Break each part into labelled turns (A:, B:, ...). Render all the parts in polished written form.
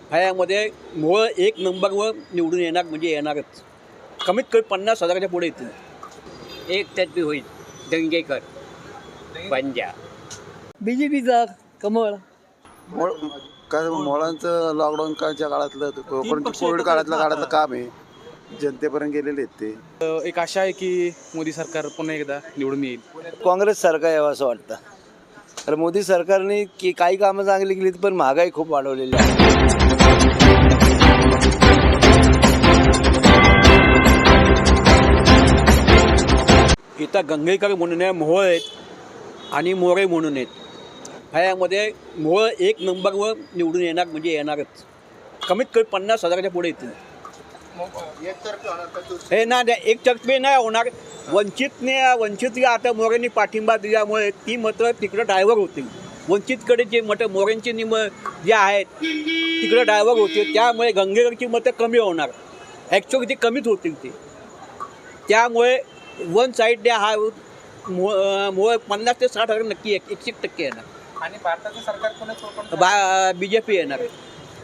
A: ह्यामध्ये मोळ एक नंबरवर निवडून येणार म्हणजे येणारच. कमीत कमी 50,000च्या पुढे येतील.
B: एकतर्फी होईल. दंगेकर पंजा
C: BJPचा कमळ.
D: काय मुलांचं लॉकडाऊन काळच्या काळातलं कोविड काळातलं काम आहे, जनतेपर्यंत गेलेले आहेत ते.
E: एक आशा आहे की मोदी सरकार पुन्हा एकदा निवडून येईल.
F: काँग्रेस सरकार यावं असं वाटतं. तर मोदी सरकारने की काही कामं चांगली केली पण महागाई खूप वाढवलेली आहे.
A: इथं गंगेकर म्हणून आहे, मोहोळ आहेत आणि मोरे म्हणून आहेत. ह्यामध्ये मोहोळ एक नंबरवर निवडून येणार म्हणजे येणारच. कमीत कमी 50,000च्या पुढे येतील. हे ना एकतर्फी नाही होणार. वंचित आता मोरेंनी पाठिंबा दिल्यामुळे ती मतं तिकडं डायव्हर होतील. वंचितकडे जे मतं मोरेंची जे आहेत तिकडं डायव्हर होतील. त्यामुळे गंगेकरची मतं कमी होणार. ॲक्च्युअली ती कमीच होतील ती. त्यामुळे वन साईड हा 50 ते 60,000 नक्की 100% येणार.
G: आणि भारताचं सरकार कोणाचं
A: BJP येणार आहे.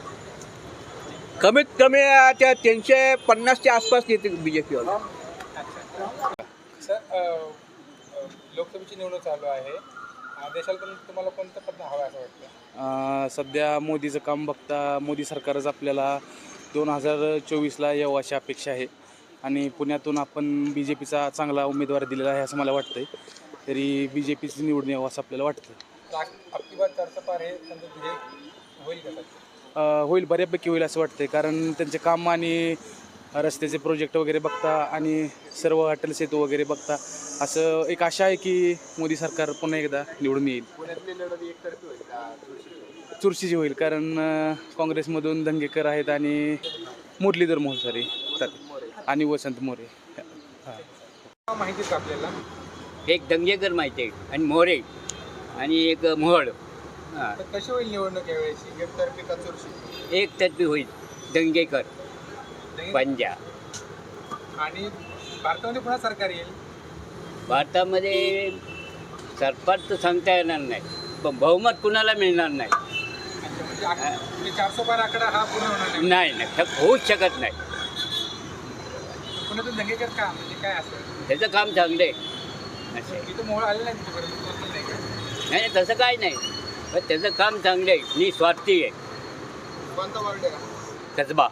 A: कमीत कमी त्या 350च्या आसपास येतील BJP वाला.
G: सर, लोकसभेची निवडणूक चालू आहे. देशाला तुम्हाला कोणतं पद हवं असं वाटतं?
E: सध्या मोदीचं काम बघता मोदी सरकारच आपल्याला 2024ला यावं अशी अपेक्षा आहे. आणि पुण्यातून आपण BJPचा चांगला उमेदवार दिलेला आहे असं मला वाटतंय. तरी BJPची निवडून यावं असं आपल्याला वाटतं.
G: आपली बात चर्चा पार हे होईल का सर?
E: होईल, बऱ्यापैकी होईल असं वाटतंय. कारण त्यांचे काम आणि रस्त्याचे प्रोजेक्ट वगैरे बघता आणि सर्व अटल सेतू वगैरे बघता असं एक आशा आहे की मोदी सरकार पुन्हा एकदा निवडून येईल.
G: पुण्यातली लढत एकतर्फी होईल का?
E: चुरशीची होईल. कारण काँग्रेसमधून दंगेकर आहेत आणि मुरलीधर मोहसरे आणि वसंत मोरे.
G: माहिती का आपल्याला?
B: एक दंगेकर माहिती आहे आणि मोरे आणि एक मोहोळ.
G: तर कशी होईल निवडणूक यावेळेची? एकतर्फी का चुरशी?
B: एकतर्फी होईल. दंगेकर पंजा.
G: आणि भारतामध्ये पुन्हा सरकार येईल?
B: भारतामध्ये सरकार तर सांगता येणार नाही, पण बहुमत कुणाला मिळणार नाही.
G: म्हणजे 400 पार आकडा हा पूर्ण होणार नाही?
B: नाही, होऊच शकत नाही.
G: पुण्यातून दंगेकर का, म्हणजे काय असं?
B: त्याचं काम चांगलं आहे. असं
G: इथं मोहळ आलेलं नाही तिथपर्यंत, पोहोचलं नाही का?
B: नाही, तसं काय नाही, पण त्याचं काम चांगलं आहे. निस्वार्थी आहे.
G: कोणता वार्ड आहे?
B: कसबा.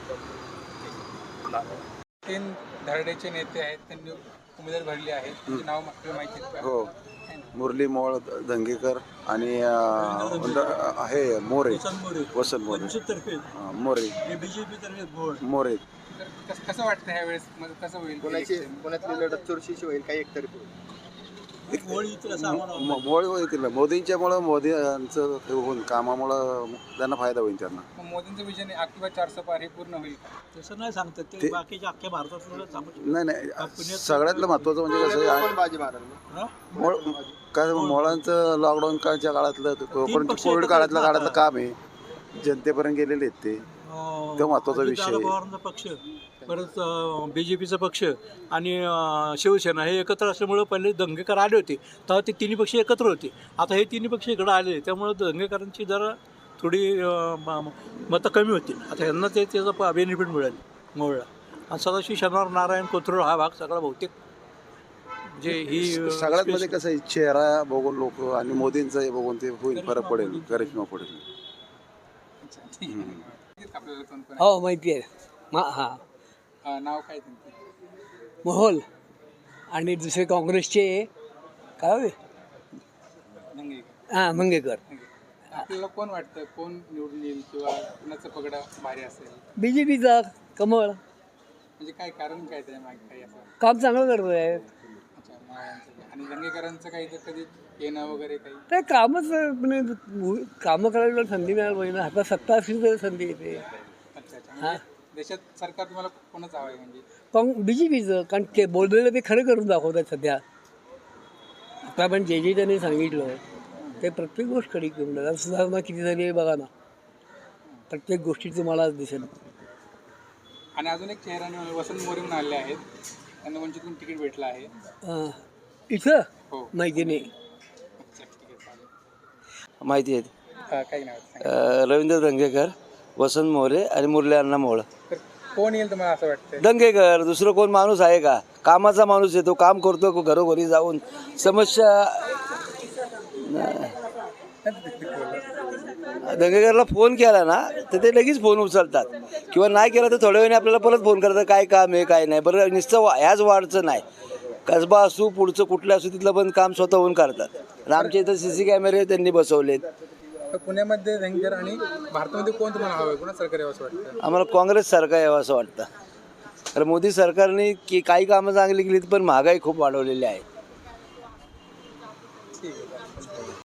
G: 3 धरडेचे नेते आहेत, त्यांनी उमेदवारी भरली आहे. त्यांची नाव आपल्याला माहिती आहेत का?
D: हो, मुरली मोळ, दंगेकर आणि हे मोरे, वसंत मोरे, मोरे.
G: तर कसं वाटतं ह्या वेळेस, म्हणजे कसं होईल?
H: पुण्यातली लढत चुरशीची होईल काही एकतर्फी होईल?
D: मोळ होईल. मोदींच्यामुळं, मोदींचं होऊन कामामुळं त्यांना फायदा होईल. त्यांना
G: मग मोदींचं विजन आपली बात 400 पार हे पूर्ण होईल का?
C: तसं नाही सांगतात ते, बाकीच्या अख्ख्या भारतात
D: नाही, सगळ्यातलं महत्त्वाचं म्हणजे कसं आहे,
H: कोण बाजी मारेल?
D: काय मुलांचं लॉकडाऊन काळच्या काळातलं कोविड काळातलं काम आहे, जनतेपर्यंत गेलेले आहेत ते. तो महत्त्वाचा विषय आहे.
C: पवारांचा पक्ष, परत BJPचा पक्ष आणि शिवसेना हे एकत्र असल्यामुळं पहिले दंगेकर आले होते तेव्हा ते तिन्ही पक्ष एकत्र होते. आता हे तिन्ही पक्ष इकडं आले, त्यामुळं दंगेकरांची जरा थोडी मतं कमी होतील. आता यांना त्याचा बेनिफिट मिळेल मोहळला. आणि सदाशिव शनिवार नारायण कोथरूड हा भाग सगळा बहुतेक म्हणजे ही
D: सगळ्यात मध्ये कसं आहे, चेहरा बघून लोक आणि मोदींचं हे बघून ते होईल, फरक पडेल, करिश्मा पडेल.
G: आपल्याला कोण कोण
C: हो माहिती आहे.
G: आहे? नाव काय त्यांचं?
C: मोहोळ आणि दुसरे काँग्रेसचे काय
G: दंगेकर.
C: मंगेकर.
G: आपल्याला कोण वाटतं कोण निवडून येईल किंवा कुणाचं पगडा भारी असेल?
C: BJPचा कमळ.
G: म्हणजे काय कारण काय त्याच्या मागे काही असं?
C: काम चांगलं करत आहे.
G: अच्छा, मावळ्यांचं. आणि दंगेकरांचं काही तर कधी येणं वगैरे काही?
C: ते कामच म्हणजे कामं करायला संधी मिळायला पाहिजे ना. आता सत्ता असली तर संधी येते.
G: अच्छा अच्छा. म्हणजे देशात सरकार तुम्हाला कोणाचं हवं आहे म्हणजे?
C: BJPचं, कारण ते बोललेलं ते खरं करून दाखवतात सध्या. आता आपण जे त्यांनी सांगितलं ते प्रत्येक गोष्ट खरी करून दाखवतात. सुधारणा किती झाली आहे बघा ना, प्रत्येक गोष्टी तुम्हाला दिसेल.
G: आणि अजून एक चेहरा वसंत मोरे म्हणून आले आहेत, त्यांना वंचितून तिकीट भेटलं आहे.
C: इथं
G: हो.
C: माहिती नाही.
G: अच्छा, ठीक आहे, चालेल.
F: माहिती आहे.
G: काही नाव
F: रवींद्र दंगेकर वसंत मोरे आणि मुरली अण्णा मोळ.
G: तर कोण येईल तुम्हाला असं वाटतंय?
F: दंगेकर, दुसरं कोण माणूस आहे का? कामाचा माणूस आहे तो, काम करतो घरोघरी जाऊन समस्या. दंगेकरला फोन केला ना तर ते लगेच फोन उचलतात, किंवा नाही केला तर थोड्या वेळाने आपल्याला परत फोन करतात, काय काम आहे काय नाही. बरं नुसतं ह्याच वाढचं नाही, कसबा असू पुढचं कुठलं असू तिथलं पण काम स्वतःहून करतात. आणि आमच्या इथं CC कॅमेरे त्यांनी बसवलेत.
G: तर पुण्यामध्ये धंगेकर आणि भारतामध्ये कोण तुम्हाला हवं आहे? कोणा सरकार यावं असं वाटतं?
F: आम्हाला काँग्रेस सरकार यावं असं वाटतं. कारण मोदी सरकारने काही कामं चांगली केली पण महागाई खूप वाढवलेली आहे.
G: ठीक आहे.